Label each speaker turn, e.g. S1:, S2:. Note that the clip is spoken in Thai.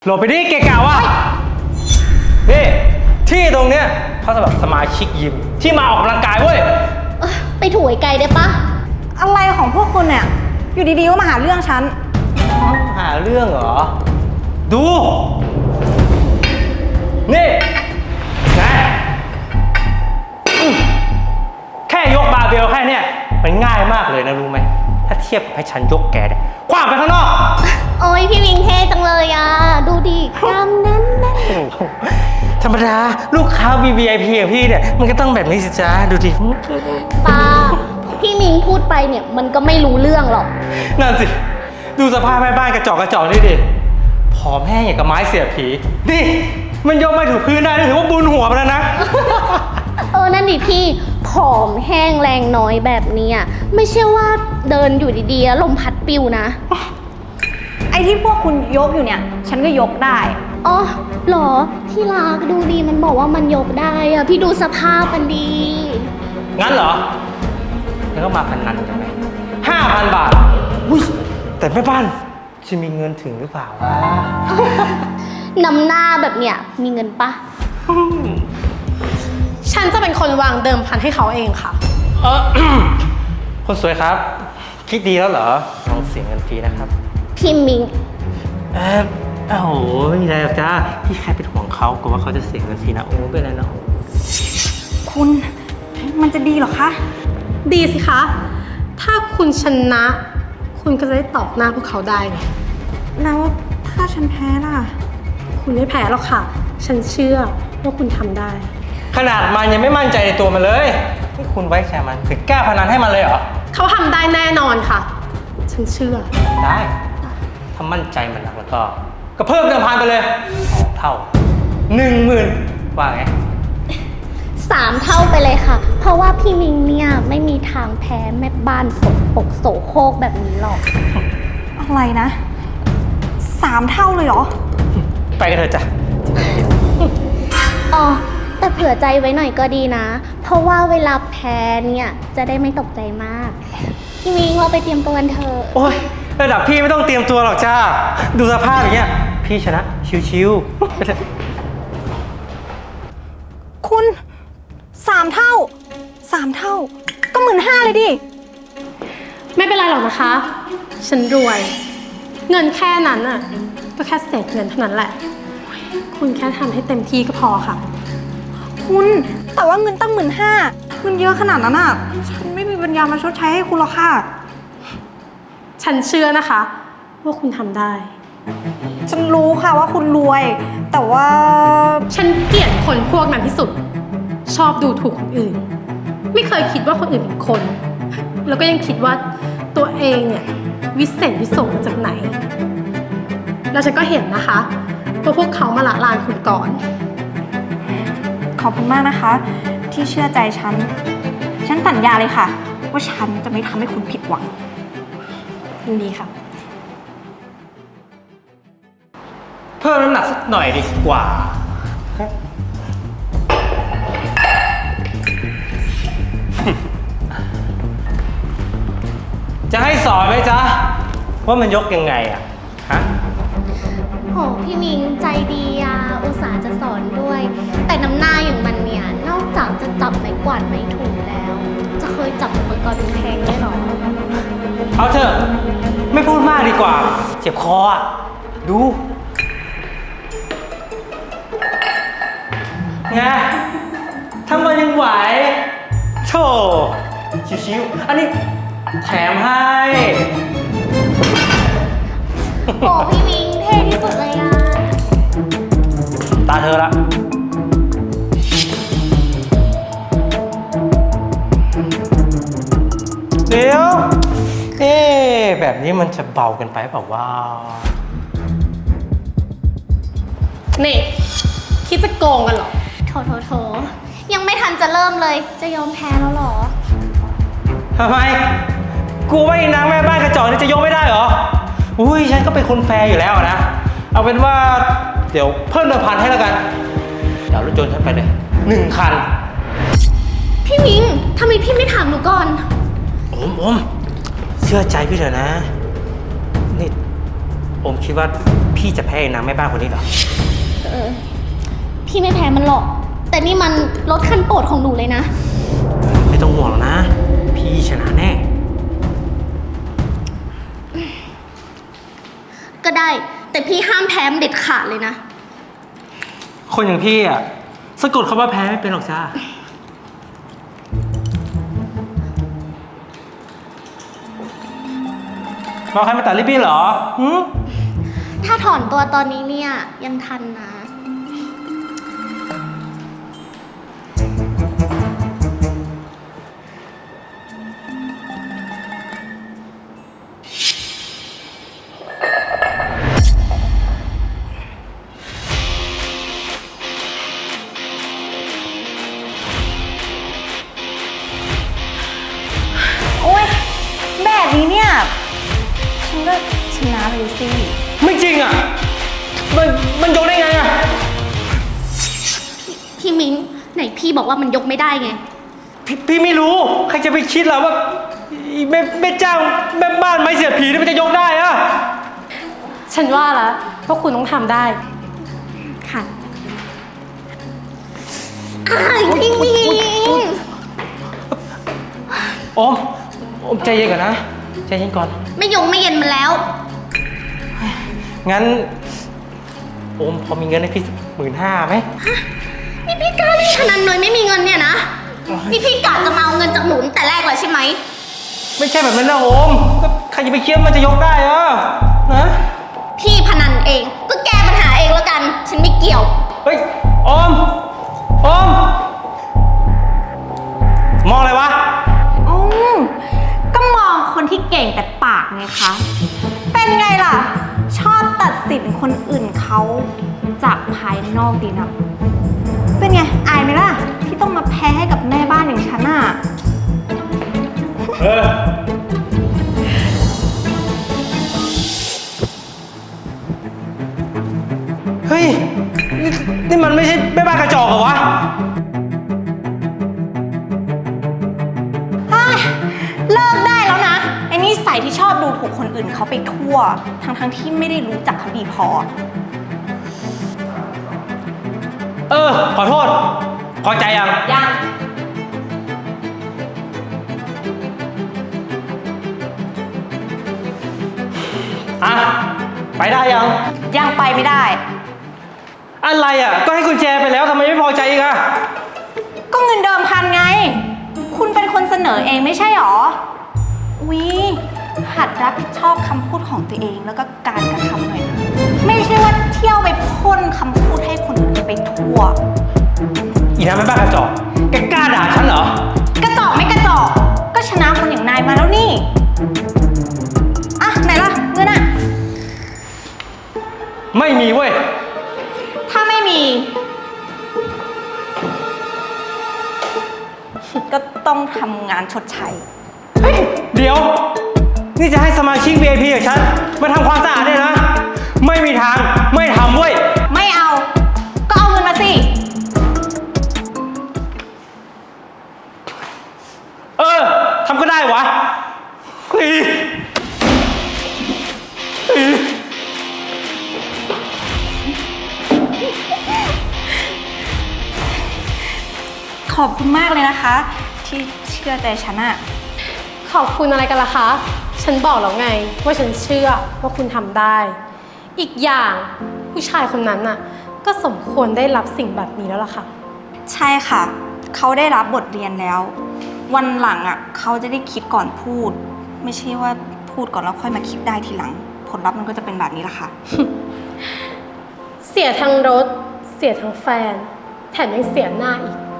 S1: หลบไปดิเกะกะว่ะนี่ที่ตรงเนี้ยเขาสำหรับสมาชิกยิมที่มาออกกำลังกายเว้ย
S2: ไปถูไกลได้ปะ
S3: อะไรของพวกคุณเนี่ยอยู่ดีๆก็มาหาเรื่องฉัน
S1: หาเรื่องเหรอดูนี่นะแค่ยกบาร์เบลแค่เนี้ยมันง่ายมากเลยนะรู้ไหมถ้าเทียบกับให้ฉันยกแกเนี่ยคว้างไปข้างนอก
S2: โอ้ยพี่วิงเท่จังเลยอ่ะดูดิกล้ามแน่น
S1: ธรรมดาลูกค้า VIP อย่างพี่เนี่ยมันก็ต้องแบบนี้สิจ้าดูดิ
S2: ป้าพี่มิงพูดไปเนี่ยมันก็ไม่รู้เรื่องหรอก
S1: นั่นสิดูสภาพแม่บ้านกระจอกนี่ดิผอมแห้งอย่างกับไม้เสียบผีนี่มันยกไม่ถูกพื้นได้ถือว่าบุญหัวไปแล้วนะ
S2: นั่นดิพี่ผอมแห้งแรงน้อยแบบนี้ไม่ใช่ว่าเดินอยู่ดีๆลมพัดปิวนะ
S3: ไอ้ที่พวกคุณยกอยู่เนี่ยฉันก็ยกได้
S2: อ๋อหรอที่รักดูดีมันบอกว่ามันยกได้อะพี่ดูสภาพมันดี
S1: งั้นเหรอแล้วก็มาพันนันกันไหม5,000 บาทอุ้ยแต่แม่บ้านจะมีเงินถึงหรือเปล่าวะ
S2: นำหน้าแบบเนี้ยมีเงินปะ
S4: ฉันจะเป็นคนวางเดิมพันให้เขาเองค่ะ
S1: คนสวยครับคิดดีแล้วเหรอลองเสียเงินฟรีนะครับ
S2: พี่มิง
S1: โอ้โหไม่มีอะไรหรอกจ้าพี่แค่เป็นห่วงเขากลัวว่าเขาจะเสียเงินฟรีนะโอ้ไม่เป็นไรนะ
S3: คุณมันจะดีหรอคะ
S4: ดีสิคะถ้าคุณชนะคุณก็จะได้ตอบหน้าพวกเขาได้ไง
S3: แล้วถ้าฉันแพ้ล่ะ
S4: คุณไม่แพ้หรอกค่ะฉันเชื่อว่าคุณทำได้
S1: ขนาดมันยังไม่มั่นใจในตัวมันเลยที่คุณไว้ใจมันถึงกล้าพนันให้มันเลยเหรอ
S4: เขาทำได้แน่นอนค่ะฉันเชื่อ
S1: ได้ถ้ามั่นใจมันแล้วก็เพิ่มเดิมพันไปเลย2 เท่า 10,000ว่าไง
S2: 3 เท่าไปเลยค่ะเพราะว่าพี่มิงเนี่ยไม่มีทางแพ้แม่บ้านสกปรกโสโครกแบบนี้หรอก
S3: อะไรนะ3 เท่าเลยเหรอ
S1: ไปกันเถอะจ้ะ
S2: อ๋อแต่เผื่อใจไว้หน่อยก็ดีนะเพราะว่าเวลาแพ้เนี่ยจะได้ไม่ตกใจมากพี่มิงเราไปเตรียมตัวกันเถอะ
S1: โอ๊ยระดับพี่ไม่ต้องเตรียมตัวหรอกจ้าดูสภาพอย่างเงี้ยพี่ชนะชิว
S3: ๆคุณ3 เท่าก็15,000เลยดิ
S4: ไม่เป็นไรหรอกนะคะฉันรวยเงินแค่นั้นน่ะก็แค่เศษเงินเท่านั้นแหละคุณแค่ทำให้เต็มที่ก็พอค่ะ
S3: คุณแต่ว่าเงินตั้ง15,000เงินเยอะขนาดนั้นฉันไม่มีปัญญามาชดใช้ให้คุณหรอกค่ะ
S4: ฉันเชื่อนะคะว่าคุณทำได้
S3: ฉันรู้ค่ะว่าคุณรวยแต่ว่า
S4: ฉันเกลียดคนพวกนั้นที่สุดชอบดูถูกคนอื่นไม่เคยคิดว่าคนอื่นเป็นคนแล้วก็ยังคิดว่าตัวเองเนี่ยวิเศษวิโสมาจากไหนแล้วฉันก็เห็นนะคะว่าพวกเขามาละลานคุณก่อน
S3: ขอบคุณมากนะคะที่เชื่อใจฉันสัญญาเลยค่ะว่าฉันจะไม่ทำให้คุณผิดหวัง
S4: ยินดีค่ะ
S1: เพิ่มน้ำหนักสักหน่อยดีกว่าจะให้สอนไหมจ๊ะว่ามันยกยังไงฮะ
S2: โหพี่มิงใจดีอุตส่าห์จะสอนด้วยแต่น้ำหน้าอย่างมันเนี่ยนอกจากจะจับไม้กวาดไม้ถูแล้วจะเคยจับอุปกรณ์แพงได้หรอ
S1: เอาเถอะไม่พูดมากดีกว่าเจ็บคอดูไงถ้ามันยังไหวโธ่ชิวๆอันนี้แถมให้
S2: โอ้พี่มิงเท่ที่สุดเลย
S1: ตาเธอละเดี๋ยวแบบนี้มันจะเบากันไปเปล่าว่า
S4: นี่คิดจะโกงกันเหรอ
S2: โถยังไม่ทันจะเริ่มเลยจะยอมแพ้แล้วหรอ
S1: ทำไมกูว่าอีนางแม่บ้านกระจอกนี่จะยกไม่ได้เหรออุ้ยฉันก็เป็นคนแฟร์อยู่แล้วนะเอาเป็นว่าเดี๋ยวเพิ่ม1,000ให้แล้วกันเดี๋ยวรถยนต์ฉันไปเลย1 คัน
S2: พี่มิงทำไมพี่ไม่ถามหนูก่อน
S1: อมเชื่อใจพี่เถอะนะนี่โอมคิดว่าพี่จะแพ้ไอ้นางแม่บ้านคนนี้เหรอ
S2: พี่ไม่แพ้มันหรอก แต่นี่มันรถคันโปรดของหนูเลยนะ
S1: ไม่ต้องห่วงหรอกนะ พี่ชนะแน่
S2: ก็ได้ แต่พี่ห้ามแพ้มันเด็ดขาดเลยนะ
S1: คนอย่างพี่อ่ะสะกดคำว่าแพ้ไม่เป็นหรอกจ้ามาใครมาตัดริบบิ้นเหรอหืม
S2: ถ้าถอนตัวตอนนี้เนี่ยยังทันนะ
S3: โอ๊ย แบบนี้เนี่ย ฉันก็ชนะเลยสิ
S1: ไม่จริงอ่ะ มันยกได้ไงอ่ะ
S2: พี่มิ้งไหนพี่บอกว่ามันยกไม่ได้ไง
S1: พี่ไม่รู้ ใครจะไปคิดล่ะว่าอีแม่จ้างแม่บ้านไม้เสียบผีนี่มันจะยกได้อ่ะ
S4: ฉันว่าแล้วว่าคุณต้องทำได้
S3: ค่ะ
S2: อ้ายพี่มิ้ง
S1: โอมใจเย็นก่อนนะ ใจเย็นก่อน
S2: ไม่ยงไม่เย็นมันแล้ว
S1: งั้น โอมพอมีเงินให้พี่15,000ไหม
S2: นี่พี่กล้าเล่นพนันโดยไม่มีเงินเนี่ยนะ นี่พี่กะจะมาเอาเงินจากหนูตั้งแต่แรกเลยใช่ไหม
S1: ไม่ใช่แบบนั้นนะโอมก็ใครจะไปคิดว่ามันจะยกได้อ่ะนะ
S2: พี่พนันเอง ก็แก้ปัญหาเองแล้วกัน ฉันไม่เกี่ยว
S1: เฮ้ยโอมมองอะไรวะ
S3: อืมก็มองคนที่เก่งแต่ปากไงคะ เป็นไงล่ะ ชอบตัดสินคนอื่นเขาจากภายนอกดีนะ เป็นไง อายไหมล่ะ ที่ต้องมาแพ้ให้กับแม่บ้านอย่างฉันอ่ะ
S1: เฮ้ย นี่มันไม่ใช่แม่บ้านกระจอกเหรอวะ
S3: เลิกได้แล้วนะ ไอ้นิสัยที่ชอบดูถูกคนอื่นเขาไปทั่ว ทั้งที่ไม่ได้รู้จักเขาดีพอ
S1: ขอโทษ พอใจยัง
S3: ยัง
S1: อ่ะ ไปได้ยัง
S3: ยังไปไม่ได้
S1: อะไรอ่ะ ก็ให้กุญแจไปแล้วทำไมไม่พอใจอีกอ่ะ
S3: ก็เงินเดิมพันไง คุณเป็นคนเสนอเองไม่ใช่หรอ อุ๊ย หัดรับผิดชอบคำพูดของตัวเองแล้วก็การกระทำหน่อยนะ ไม่ใช่ว่าเที่ยวไปพ่นคำพูดให้คนอื่นไปทั่ว
S1: อีน้ำแม่บ้านกระจอก แกกล้าด่าฉันเหรอ
S3: กระจอกไม่กระจอก ก็ชนะคนอย่างนายมาแล้วนี่ อ่ะ ไหนล่ะเงินอ่ะ
S1: ไม่มีเว้ย
S3: ถ้าไม่มี ก็ต้องทำงานชดใช้
S1: เฮ้ย เดี๋ยว นี่จะให้สมาชิก VIP อย่างฉันมาทำความสะอาดเนี่ยนะ ไม่มีทาง ไม่ทำเว้ย
S3: ไม่เอา ก็เอาเงินมาสิ
S1: ทำก็ได้วะเฮ้ย
S3: ขอบคุณมากเลยนะคะ ที่เชื่อใจฉันอะ
S4: ขอบคุณอะไรกันล่ะคะ ฉันบอกแล้วไงว่าฉันเชื่อว่าคุณทำได้ อีกอย่างผู้ชายคนนั้นน่ะก็สมควรได้รับสิ่งแบบนี้แล้วล่ะค่ะ
S3: ใช่ค่ะ เขาได้รับบทเรียนแล้ว วันหลังอะเขาจะได้คิดก่อนพูด ไม่ใช่ว่าพูดก่อนแล้วค่อยมาคิดได้ทีหลัง ผลลัพธ์มันก็จะเป็นแบบนี้ละค่ะ
S4: เสียทั้งรถ เสียทั้งแฟน แถมยังเสียหน้าอีก